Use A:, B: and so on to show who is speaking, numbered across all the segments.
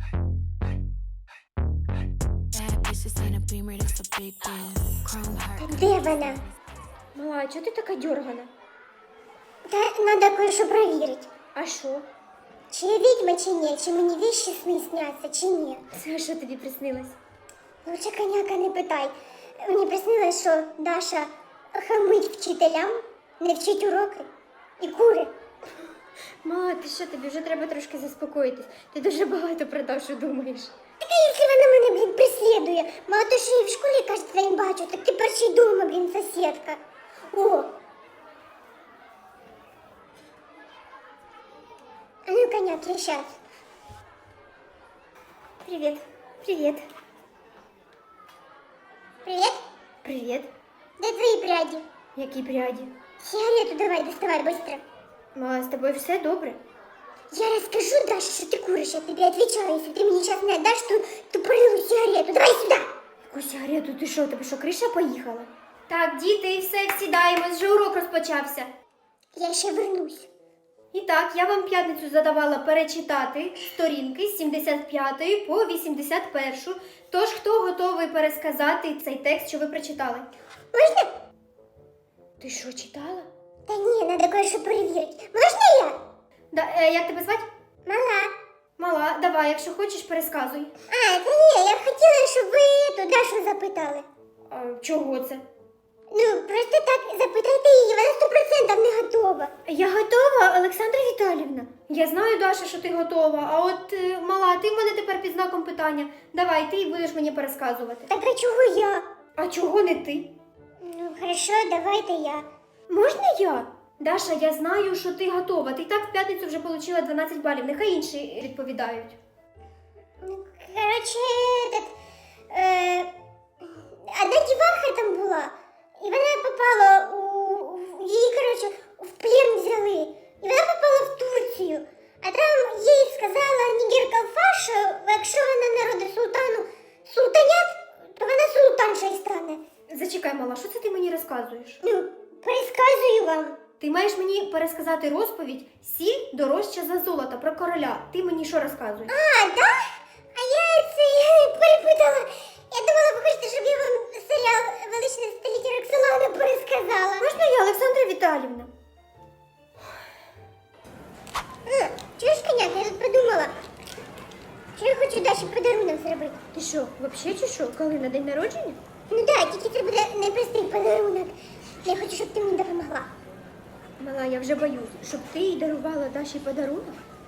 A: Bad bitches in a beamer, that's a big deal. Chrome heart.
B: Де вона?
C: Мала, чого ти така дьоргана?
B: Та треба кое-що перевірити.
C: А що?
B: Чи я відьма, чи ні? Чи мені віщі сни сняться, чи ні?
C: Це що тобі приснилось?
B: Лучше коняка не питай. Мені приснилось, що Даша хамить вчителям, не вчить уроки і кури.
C: Мала, ти що, тобі вже треба трошки заспокоїтись. Ти дуже багато про Дашу думаєш.
B: Так а якщо вона мене, блін, преслідує? Мало то, що я в школі кожен день бачу, так тепер ще й дома, блін, сусідка. О! А ну, коняк, я щас.
C: Привіт. Привіт.
B: Привіт?
C: Привіт.
B: Де твої пряді?
C: Які пряді?
B: Сигарету давай, доставай, быстро.
C: Мала, з тобою все добре?
B: Я расскажу, Даша, что ты куришь, я тебе отвечала. Если ты мне сейчас не отдашь ту порылую сигарету, давай сюда!
C: Яку сигарету? Ти що, тебе що, криша поїхала? Так, діти, все, сідаємось, вже урок розпочався.
B: Я ще вернусь.
C: І так, я вам п'ятницю задавала перечитати сторінки з 75 по 81. Тож, хто готовий пересказати цей текст, що ви прочитали?
B: Можна?
C: Ти що, читала?
B: Та ні, надо кое-що перевірити. Можна я?
C: Як тебе звати?
B: Мала.
C: Мала, давай, якщо хочеш, пересказуй.
B: А, та ні, я хотіла, щоб ви ту Дашу запитали.
C: Чого це?
B: Ну, просто так запитайте її, вона 100% не готова.
C: Я готова, Олександра Віталіївна. Я знаю, Даша, що ти готова, а от, мала, ти в мене тепер під знаком питання. Давай, ти будеш мені пересказувати.
B: Так а чого я?
C: А чого не ти?
B: Ну, хорошо, давайте я.
C: Можна я? Даша, я знаю, що ти готова. Ти і так в п'ятницю вже отримала 12 балів. Нехай інші відповідають.
B: Ну, короче, одна діваха там була, і вона попала її, короче, в плен взяли. І вона попала в Турцію. А там їй сказала Нігер-Калфа, що якщо вона народить султанят, то вона султанша й стане.
C: Зачекай, мала, що це ти мені розказуєш?
B: Ну, пересказую вам.
C: Ти маєш мені пересказати розповідь «Сіль дорожча за золото» про короля. Ти мені що розказуєш?
B: А, да? А я перепутала. Я думала, ви хочете, щоб я вам серіал «Величне століття Роксолана» пересказала.
C: Можна я, Олександра Віталіївна?
B: Чуєш, коняк, я тут подумала, що я хочу Даші подарунок зробити.
C: Ти що, взагалі чи що? Коли, на день народження?
B: Ну так, тільки це буде непростий подарунок. Я хочу, щоб ти мені допомогла.
C: Мала, я вже боюсь, щоб ти їй дарувала Даші подарунок?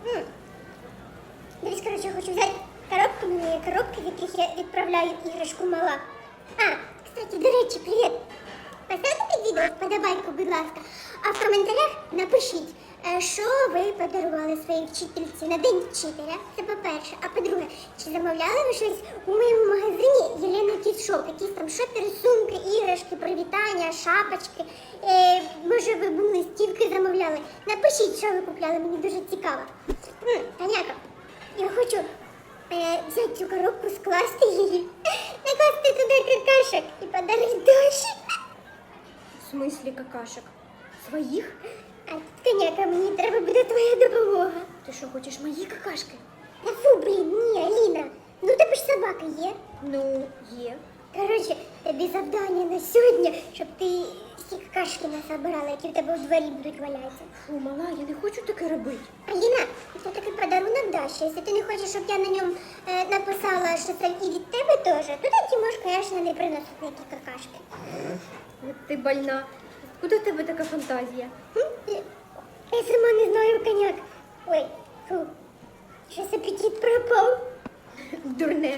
B: Дивись, коротше, я хочу взяти коробку, мені є коробки, в яких я відправляю іграшку мала. А, кстати, до речі, привіт. Поставте під відео вподобайку, будь ласка. А в коментарях напишіть, що ви подарували своїй вчительці на День вчителя. Це по-перше. А по-друге, чи замовляли ви щось у моєму магазині Єлена Кіт Шоп? Якісь там шопери, сумки, іграшки, привітання, шапочки. Може, ви б листівки замовляли? Напишіть, що ви купляли, мені дуже цікаво. Таняка, я хочу взяти цю коробку, скласти її, накласти туди какашок і подарити Даші.
C: В смислі какашок? Своїх?
B: А тут, коняка, мені треба буде твоя допомога.
C: Ти що, хочеш мої какашки?
B: Та фу, блін, ні, Аліна. Ну, тебе ж собака є.
C: Ну, є.
B: Коротше, тобі завдання на сьогодні, щоб ти всі какашки насобирала, які в тебе у дворі будуть валятися.
C: Фу, мала, я не хочу таке робити.
B: Аліна, це такий подарунок Даші. Якщо ти не хочеш, щоб я на ньому написала, що це і від тебе теж, то тоді можеш, звісно, не приносити ніякі какашки.
C: От ти больна. Куди в тебе така фантазія?
B: Я сама не знаю, коняк. Ой, фу, щось апетит пропав.
C: Дурне.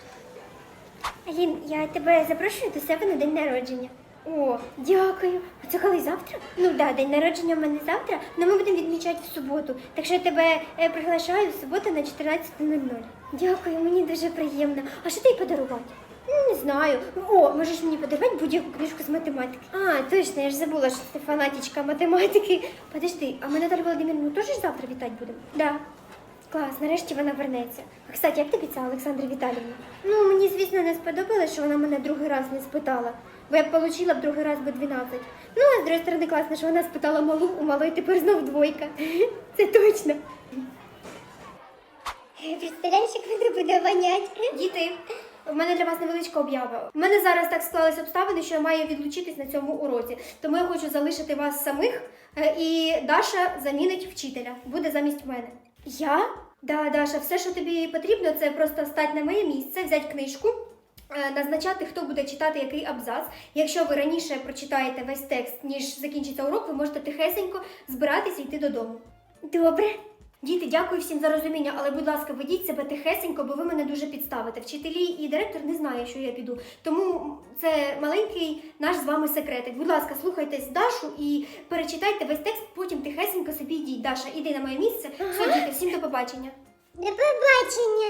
C: Алін, я тебе запрошую до себе на день народження. О, дякую. А це коли завтра? Ну так, да, день народження в мене завтра, але ми будемо відмічати в суботу. Так що я тебе приглашаю в суботу на 14:00. Дякую, мені дуже приємно. А що ти їй подарувати? Ну, не знаю. О, можеш мені подарувати будь-яку книжку з математики. А, точно, я ж забула, що ти фанатичка математики. Подожди, а ми Наталю Володимирівну теж завтра вітати будемо? Да. Клас, нарешті вона вернеться. А, кстати, як тобі ця Олександра Віталіївна? Ну, мені, звісно, не сподобалось, що вона мене другий раз не спитала. Бо я б отримала б другий раз би 12. Ну, а з другої сторони, класно, що вона спитала малу, у малої тепер знов двойка. Це точно.
B: Представляєш, як воно буде вонять?
C: Діти, в мене для вас невеличка об'ява. У мене зараз так склались обставини, що я маю відлучитись на цьому уроці. Тому я хочу залишити вас самих, і Даша замінить вчителя. Буде замість мене. Я? Да, Даша, все, що тобі потрібно, це просто встати на моє місце, взяти книжку, назначати, хто буде читати який абзац. Якщо ви раніше прочитаєте весь текст, ніж закінчиться урок, ви можете тихесенько збиратися і йти додому. Добре. Діти, дякую всім за розуміння, але, будь ласка, ведіть себе тихесенько, бо ви мене дуже підставите. Вчителі і директор не знають, що я піду. Тому це маленький наш з вами секретик. Будь ласка, слухайтесь Дашу і перечитайте весь текст, потім тихесенько собі йдіть. Даша, іди на моє місце. Все, діти, всім до побачення.
B: До побачення.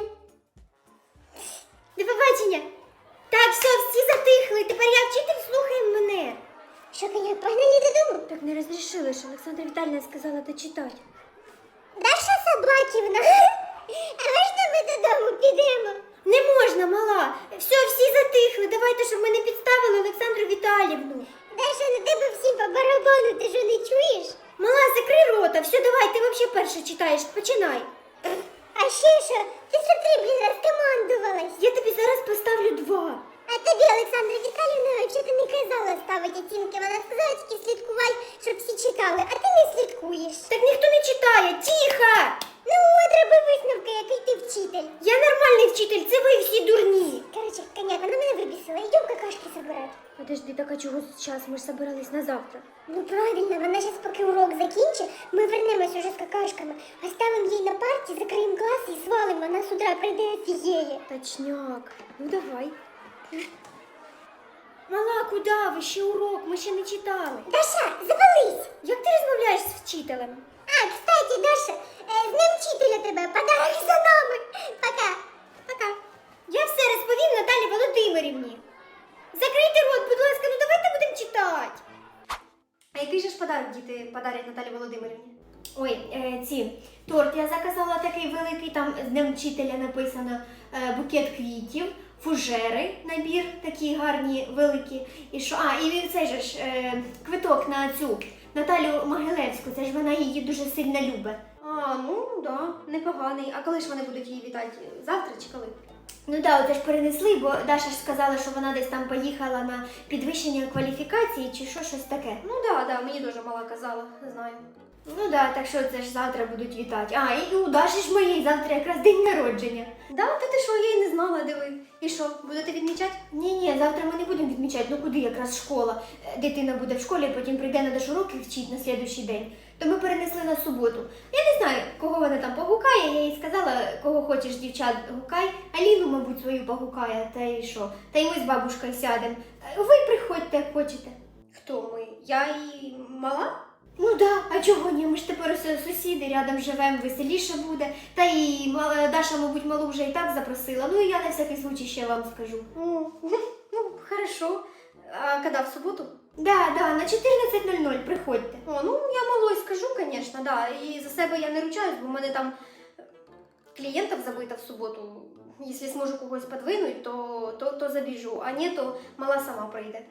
C: До побачення. Так, все, всі затихли. Тепер я вчитель, слухай мене.
B: Що, коняк, погнали додому?
C: Так не розрішили, що Олександра Віталіївна сказала дочитати.
B: Даша Собаківна, а можна ми додому підемо?
C: Не можна, мала. Все, всі затихли. Давайте, щоб ми не підставили Олександру Віталіївну.
B: Даша, на тебе всі по барабану, ти що не чуєш?
C: Мала, закрий рота. Все, давай, ти взагалі перше читаєш. Починай.
B: А ще що? Ти що ти, блін, розкомандувалась?
C: Я тобі зараз поставлю 2.
B: А тобі, Олександра Віталіївна, взагалі не казала ставити оцінки. Вона сказала тільки слідкувати, щоб всі читали, а ти не слідкуєш.
C: Так ніхто не читає. Тихо!
B: Ну от, роби висновки, який ти вчитель.
C: Я нормальний вчитель, це ви всі дурні.
B: Короче, коняк, вона мене вибісила. Йдем какашки забирати.
C: Подожди, так а чого зараз? Ми ж собирались на завтра.
B: Ну правильно, вона зараз поки урок закінчить, ми вернемось уже з какашками. Оставимо їй на парті, закриємо клас і свалимо. Вона з утра прийде офігеє.
C: Точняк. Ну давай. Мала, куди ви? Ще урок, ми ще не читали.
B: Даша, завались!
C: Як ти розмовляєш з вчителем?
B: А, кстати, Даша, з Днем вчителя тебе, подарок за нами. Пока.
C: Пока. Я все розповім Наталі Володимирівні. Закрийте рот, будь ласка, ну давайте будемо читати. А який же ж подарок діти подарять Наталі Володимирівні? Ой, ці, торт я заказала такий великий, там з Днем вчителя написано букет квітів, фужери, набір такі гарні, великі. І що? А, і цей же ж квиток на цю Наталю Могилевську, це ж вона її дуже сильно любить. А, ну да, непоганий. А коли ж вони будуть її вітати? Завтра чи коли? Ну да, оце ж перенесли, бо Даша ж сказала, що вона десь там поїхала на підвищення кваліфікації чи що, щось таке. Ну да, мені дуже мала казала, не знаю. Ну да, так що це ж завтра будуть вітати. А, і у Даші ж моєї завтра якраз день народження. Да, та ти що, я й не знала, диви. І що, будете відмічати? Ні, завтра ми не будемо відмічати. Ну куди якраз школа? Дитина буде в школі, потім прийде на Дашу уроки вчить на слідуючий день. То ми перенесли на суботу. Я не знаю, кого вона там погукає, я їй сказала, кого хочеш дівчат гукай. Аліну, мабуть, свою погукає, та й що? Та й ми з бабушкою сядемо. Ви приходьте, як хочете. Хто ми? Я і мала? Ну да, а чого ні? Ми ж тепер сусіди, рядом живемо, веселіше буде. Та і Даша, мабуть, малу вже і так запросила. Ну і я на всякий случай ще вам скажу. Ну, хорошо. А коли, в суботу? Да, на 14:00 приходьте. О, ну я малой скажу, звісно, да. І за себе я не ручаюсь, бо в мене там клієнтів забито в суботу. Якщо зможу когось подвинути, то забіжу, а ні, то мала сама прийде.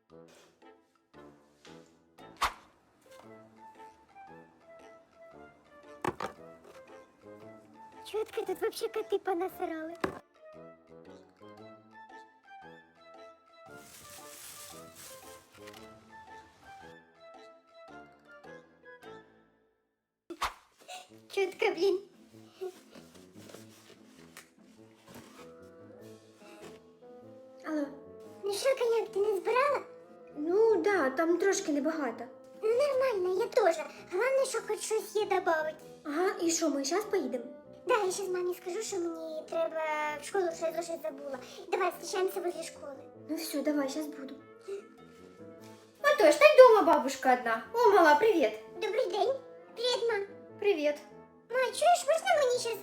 B: Чутка, тут вообще коти понасирали. Чутка, блін.
C: Алло.
B: Ну що, коняк, ти не збирала?
C: Ну да, там трошки небагато.
B: Ну нормально, я теж. Головне, що хоч щось є добавити.
C: Ага, і що, ми зараз поїдемо?
B: Да, я зараз мамі скажу, що мені треба в школу, що я зошит забула. Давай, зустрічаємося возле школи.
C: Ну все, давай, сейчас буду. Матош, так дома бабушка одна. О, мала, привет.
B: Добрий день. Привіт, мам.
C: Привет.
B: Ма, чуєш, можна мені зараз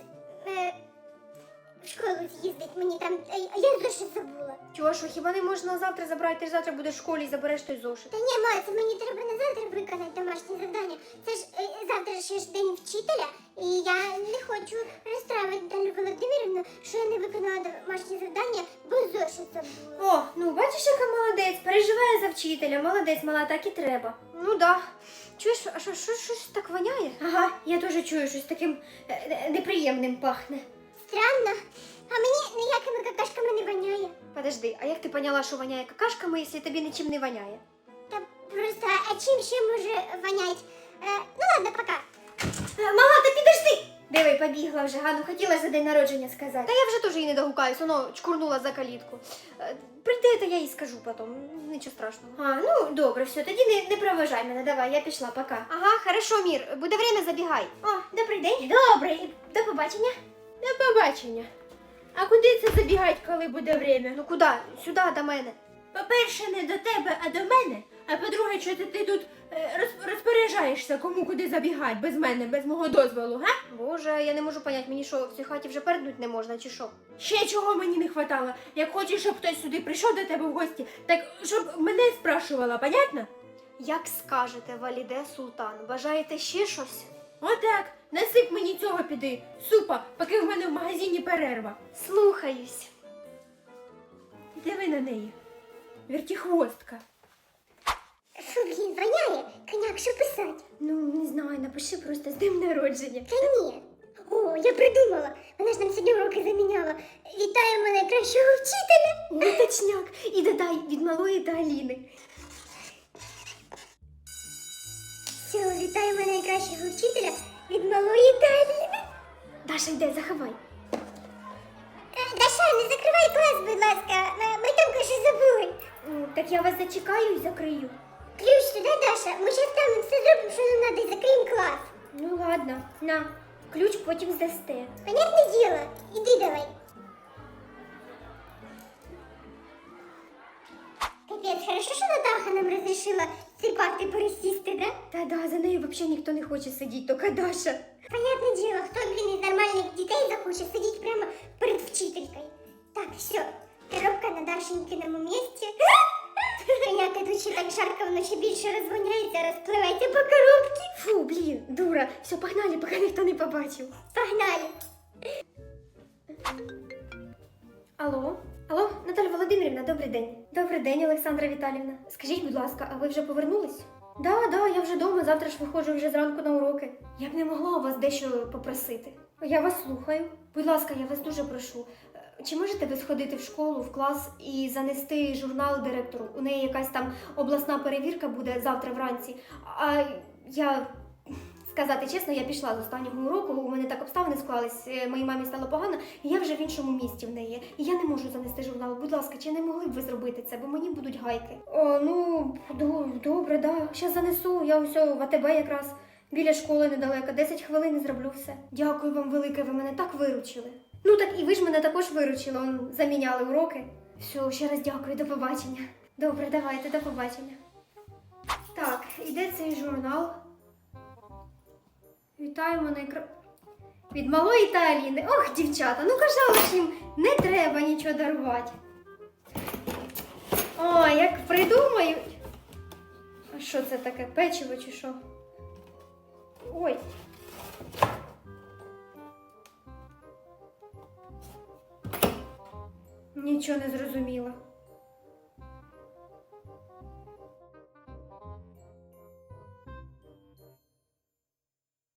B: в школу з'їздити? Мені там, я зошит забула.
C: Чого, що, хіба не можна завтра забрати? Ти ж завтра будеш в школі і забереш той зошит.
B: Та ні, ма, це мені треба на завтра виконати домашнє завдання. Це ж завтра ще ж день вчителя, і я не хочу розстраивати Наталю Володимирівну, що я не виконала домашнє завдання, бо зошит забула.
C: О, ну бачиш, яка молодець, переживає за вчителя, молодець, мала, так і треба. Ну да. Чуєш, а щось так воняє? Ага, я теж чую, щось таким неприємним пахне.
B: Странно. А мені ніякими какашками не воняє.
C: Подожди, а як ти поняла, що воняє какашками, якщо тобі нічим не воняє?
B: Та просто, а чим ще може вонять? Ну ладно, пока.
C: Мама, та підожди! Диви, побігла вже, Гану, хотіла за день народження сказати. Та я вже теж їй не догукаюсь, воно чкурнула за калітку. Прийде, то я їй скажу потім, нічого страшного. А, ну добре, все, тоді не проважай мене, давай, я пішла, пока. Ага, хорошо, Мір, буде время, забігай. О, добрий день. Добрий, до побачення.
D: До побачення. А куди це забігать, коли буде время?
C: Ну куди? Сюди, до мене.
D: По-перше, не до тебе, а до мене. А по-друге, що ти тут розпоряджаєшся, кому куди забігати, без мене, без мого дозволу, га?
C: Боже, я не можу понять, мені що, в цій хаті вже переднуть не можна, чи що?
D: Ще чого мені не хватало. Як хочеш, щоб хтось сюди прийшов до тебе в гості, так щоб мене спрашувала, понятно?
C: Як скажете, Валіде Султан, бажаєте ще щось?
D: Отак, насип мені цього піди, супа, поки в мене в магазині перерва.
C: Слухаюсь.
D: Диви на неї. Вертіхвостка.
B: Фу, блін, воняє. Коняк, що писати?
C: Ну, не знаю, напиши просто з днем народження.
B: Та ні. О, я придумала. Вона ж нам сьогодні уроки заміняла. Вітаємо найкращого вчителя.
C: Ой, точняк. І додай від малої та Аліни.
B: Все, вітаємо найкращого вчителя від малої Таліни.
C: Даша, йде, заховай.
B: Даша, не закривай клас, будь ласка. Ми там каже забули.
C: Так я вас зачекаю і закрию.
B: Ключ туди, Даша. Ми зараз там все зробимо, що нам треба, і закриємо клас.
C: Ну ладно, на. Ключ потім здасте.
B: Понятне діло. Іди давай. Капець, хорошо, що Натаха нам розрішила ці парти пересісти, да?
C: Та-да, за нею взагалі ніхто не хоче сидіти, тільки Даша.
B: Понятне діло, хто, блін, із нормальних дітей захоче сидіти прямо перед вчителькою. Так, все, коробка на Дашенькиному місці. Коняка тут ще так жарко, воно ще більше розгоняється, розпливається по коробці.
C: Фу, блін, дура. Все, погнали, поки ніхто не побачив.
B: Погнали.
C: Алло? Алло, Наталя Володимирівна, добрий день. Добрий день, Олександра Віталіївна. Скажіть, будь ласка, а ви вже повернулись? Да, я вже вдома, завтра ж виходжу вже зранку на уроки. Я б не могла у вас дещо попросити. Я вас слухаю. Будь ласка, я вас дуже прошу. Чи можете ви сходити в школу, в клас і занести журнал директору? У неї якась там обласна перевірка буде завтра вранці. А я, сказати чесно, я пішла з останнього уроку, у мене так обставини склались, моїй мамі стало погано, і я вже в іншому місті в неї. І я не можу занести журнал. Будь ласка, чи не могли б ви зробити це, бо мені будуть гайки? О, ну, добре, да. Щас занесу, я ось в АТБ якраз. Біля школи недалеко, 10 хвилин і зроблю все. Дякую вам велике, ви мене так виручили. Ну так і ви ж мене також виручили, заміняли уроки. Все, ще раз дякую, до побачення. Добре, давайте, до побачення. Так, іде цей журнал. Вітаємо від малої та Аліни. Ох, дівчата, ну казала ж їм, не треба нічого дарувати. О, як придумають. А що це таке, печиво чи що? Ой. Нічого не зрозуміла.